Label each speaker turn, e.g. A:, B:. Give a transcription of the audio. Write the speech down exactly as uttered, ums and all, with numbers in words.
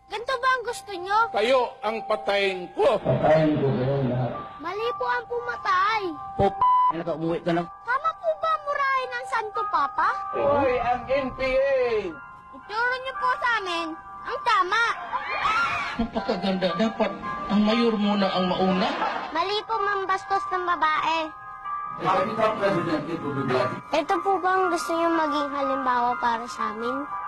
A: Ganito ba ang gusto nyo?
B: Kayo ang patayin ko.
C: Patayin ko kayo lahat.
A: Mali po ang pumatay.
C: Pop, na ka, umuwi ka na.
A: Tama po ba murahin ang Santo Papa?
B: Hoy, ang N P A!
A: Ituro niyo po sa amin ang tama.
C: Napakaganda. Dapat ang mayor muna ang mauna.
A: Mali po mambastos ng babae.
C: Ikaw, President, ito bigla.
A: Ito po ba ang gusto niyo maging halimbawa para sa amin?